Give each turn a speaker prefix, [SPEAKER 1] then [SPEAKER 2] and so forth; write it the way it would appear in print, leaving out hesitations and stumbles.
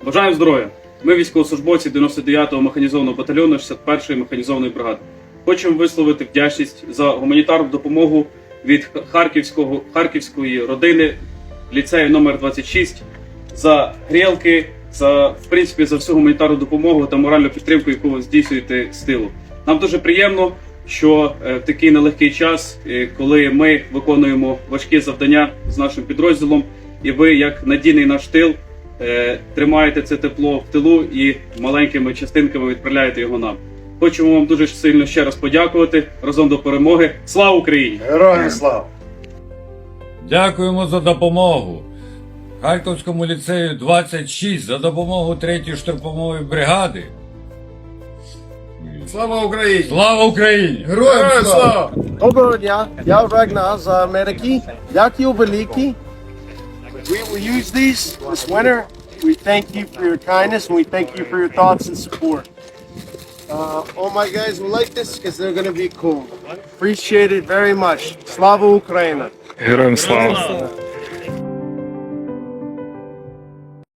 [SPEAKER 1] Бажаємо здоров'я! Ми військовослужбовці 99-го механізованого батальйону 61-ї механізованої бригади. Хочемо висловити вдячність за гуманітарну допомогу від харківської родини ліцею номер 26 за грілки, за всю гуманітарну допомогу та моральну підтримку, яку ви здійснюєте з тилу. Нам дуже приємно, що в такий нелегкий час, коли ми виконуємо важкі завдання з нашим підрозділом, і ви, як надійний наш тил, тримаєте це тепло в тилу і маленькими частинками відправляєте його нам. Хочемо вам дуже сильно ще раз подякувати. Разом до перемоги. Слава Україні!
[SPEAKER 2] Героям слава!
[SPEAKER 3] Дякуємо за допомогу Харківському ліцею 26, за допомогу 3-ї штурмової бригади.
[SPEAKER 2] Слава Україні!
[SPEAKER 3] Слава Україні!
[SPEAKER 2] Героям слава!
[SPEAKER 4] Доброго дня, я Рагнар з Америки. Дякую велике. We will use these this winter. We thank you for your kindness and we thank you for your thoughts and support. All my guys will like this because they're going to be cool. Appreciate it very much. Slava Ukraina!
[SPEAKER 5] Героям слава!